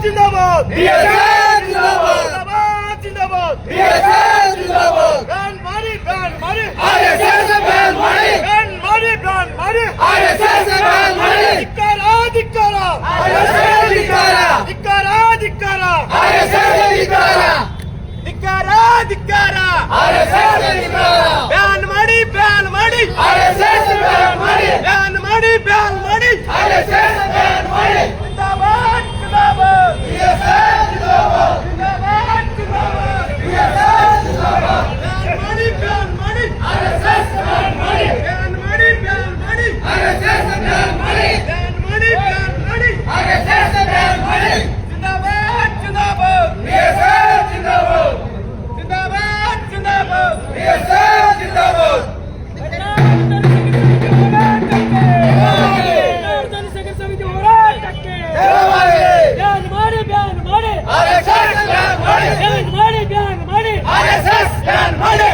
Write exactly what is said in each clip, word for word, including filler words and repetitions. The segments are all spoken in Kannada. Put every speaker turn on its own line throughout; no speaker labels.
जिंदाबाद
बीएसएफ जिंदाबाद
जिंदाबाद
बीएसएफ जिंदाबाद
बैन मारी बैन मारी
आरएसएस बैन मारी
बैन मारी बैन मारी
आरएसएस बैन मारी
ಧಿಕ್ಕಾರ ಧಿಕ್ಕಾರ
आरएसएस धिक्कार
ಧಿಕ್ಕಾರ ಧಿಕ್ಕಾರ
आरएसएस धिक्कार
ಧಿಕ್ಕಾರ ಧಿಕ್ಕಾರ
आरएसएस धिक्कार
ಬ್ಯಾನ್ ಮಾಡಿ ಬ್ಯಾನ್ ಮಾಡಿ
आरएसएस बैन मारी
ಬ್ಯಾನ್ ಮಾಡಿ ಬ್ಯಾನ್ ಮಾಡಿ
आरएसएस बैन मारी
जिंदाबाद जिंदाबाद
बीएसएफ जिंदाबाद
जिंदाबाद जिंदाबाद
बीएसएफ जिंदाबाद
ಬ್ಯಾನ್ ಮಾಡಿ ಬ್ಯಾನ್ ಮಾಡಿ
आरएसएस बैन मारी
ಬ್ಯಾನ್ ಮಾಡಿ ಬ್ಯಾನ್ ಮಾಡಿ
आरएसएस बैन मारी
ಬ್ಯಾನ್ ಮಾಡಿ ಬ್ಯಾನ್ ಮಾಡಿ
आरएसएस बैन मारी
जिंदाबाद जिंदाबाद
बीएसएफ जिंदाबाद
जिंदाबाद जिंदाबाद
बीएसएफ जिंदाबाद
ಬ್ಯಾನ್ ಮಾಡಿ ಬ್ಯಾನ್ ಮಾಡಿ
आरएसएस बैन मारी
ಬ್ಯಾನ್ ಮಾಡಿ ಬ್ಯಾನ್ ಮಾಡಿ
आरएसएस बैन मारी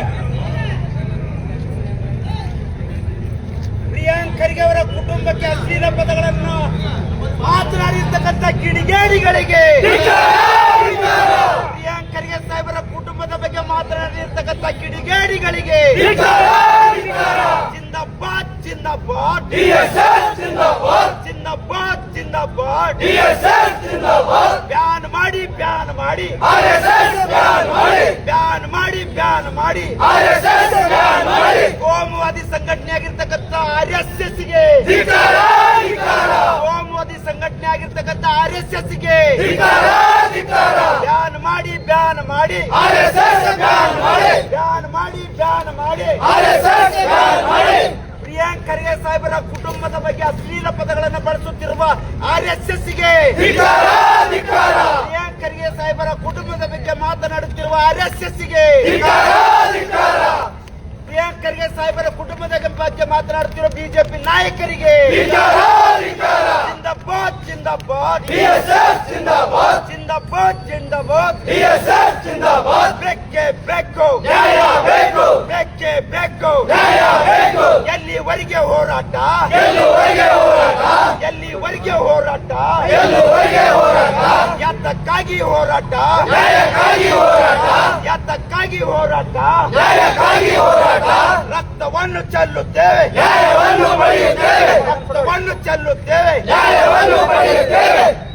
ಪ್ರಿಯಾಂಕ್ ಖರ್ಗೆ ಅವರ ಕುಟುಂಬಕ್ಕೆ ಅಶ್ಲೀಲ ಪದಗಳನ್ನು ಮಾತನಾಡಿರ್ತಕ್ಕಂಥ ಕಿಡಿಗೇಡಿಗಳಿಗೆ ಪ್ರಿಯಾಂಕ್ ಖರ್ಗೆ ಸಾಹೇಬರ ಕುಟುಂಬದ ಬಗ್ಗೆ ಮಾತನಾಡಿರ್ತಕ್ಕಂಥ ಕಿಡಿಗೇಡಿಗಳಿಗೆ ಜಿಂದಾಬಾದ್ ಜಿಂದಾಬಾದ್
बीएसएफ जिंदाबाद
ಜಿಂದಾಬಾದ್ ಜಿಂದಾಬಾದ್
बीएसएफ जिंदाबाद
ಬ್ಯಾನ್ ಮಾಡಿ ಬ್ಯಾನ್ ಮಾಡಿ
आरएसएस बैन मारी
ಬ್ಯಾನ್ ಮಾಡಿ ಬ್ಯಾನ್ ಮಾಡಿ
आरएसएस बैन मारी
ಕೋಮುವಾದಿ ಸಂಘಟನೆ ಆಗಿರ್ತಕ್ಕಂಥ ಆರ್ ಎಸ್ ಎಸ್ ಗೆ
ಧಿಕ್ಕಾರ ಧಿಕ್ಕಾರ
ಕೋಮುವಾದಿ ಸಂಘಟನೆ ಆಗಿರ್ತಕ್ಕಂಥ ಆರ್ ಎಸ್ ಎಸ್ ಗೆ
ಧಿಕ್ಕಾರ ಧಿಕ್ಕಾರ
ಬ್ಯಾನ್ ಮಾಡಿ ಬ್ಯಾನ್ ಮಾಡಿ
आरएसएस बैन मारी
ಬ್ಯಾನ್ ಮಾಡಿ ಬ್ಯಾನ್ ಮಾಡಿ
आरएसएस बैन मारी
ಪ್ರಿಯಾಂಕ್ ಖರ್ಗೆ ಸಾಹೇಬರ ಕುಟುಂಬದ ಬಗ್ಗೆ ಅಶ್ಲೀಲ ಪದಗಳನ್ನು ಬಳಸುತ್ತಿರುವ ಆರ್ ಎಸ್ ಎಸ್ ಗೆ
ಧಿಕ್ಕಾರ ಧಿಕ್ಕಾರ
ಪ್ರಿಯಾಂಕ್ ಖರ್ಗೆ ಸಾಹೇಬರ ಕುಟುಂಬದ ಬಗ್ಗೆ ಮಾತನಾಡುತ್ತಿರುವ ಆರ್ ಎಸ್ ಎಸ್ ಗೆ
ಧಿಕ್ಕಾರ ಧಿಕ್ಕಾರ
ಪ್ರಿಯಾಂಕ್ ಖರ್ಗೆ ಸಾಹೇಬರ ಕುಟುಂಬದ ಬಗ್ಗೆ ಮಾತನಾಡುತ್ತಿರುವ ಬಿಜೆಪಿ ನಾಯಕರಿಗೆ
ಧಿಕ್ಕಾರ ಧಿಕ್ಕಾರ
ಜಿಂದಾಬಾದ್ ಜಿಂದಾಬಾದ್
बीएसएफ जिंदाबाद
ಜಿಂದಾಬಾದ್ ಜಿಂದಾಬಾದ್
बीएसएफ जिंदाबाद
ಬೆಕ್ಕೆ ಬೆಕ್ಕು
ನ್ಯಾಯ ಬೇಕು
ಬೆಕ್ಕೆ ಬೆಕ್ಕು
ನ್ಯಾಯ ಬೇಕು
ಎಲ್ಲಿವರೆಗೆ ಹೋರಾಟ
ಗೆಲ್ಲುವರೆಗೆ ಹೋರಾಟ
ಎಲ್ಲಿವರೆಗೆ ಹೋರಾಟ
ಗೆಲ್ಲುವರೆಗೆ ಹೋರಾಟ
ಯಾತಕ್ಕಾಗಿ ಹೋರಾಟ
ನ್ಯಾಯಕ್ಕಾಗಿ ಹೋರಾಟ
ಯಾತಕ್ಕಾಗಿ ಹೋರಾಟ
ನ್ಯಾಯಕ್ಕಾಗಿ ಹೋರಾಟ
ರಕ್ತವನ್ನು ಚೆಲ್ಲುತ್ತೇವೆ
ನ್ಯಾಯವನ್ನು ಪಡೆಯುತ್ತೇವೆ
ರಕ್ತವನ್ನು ಚೆಲ್ಲುತ್ತೇವೆ
ನ್ಯಾಯವನ್ನು ಪಡೆಯುತ್ತೇವೆ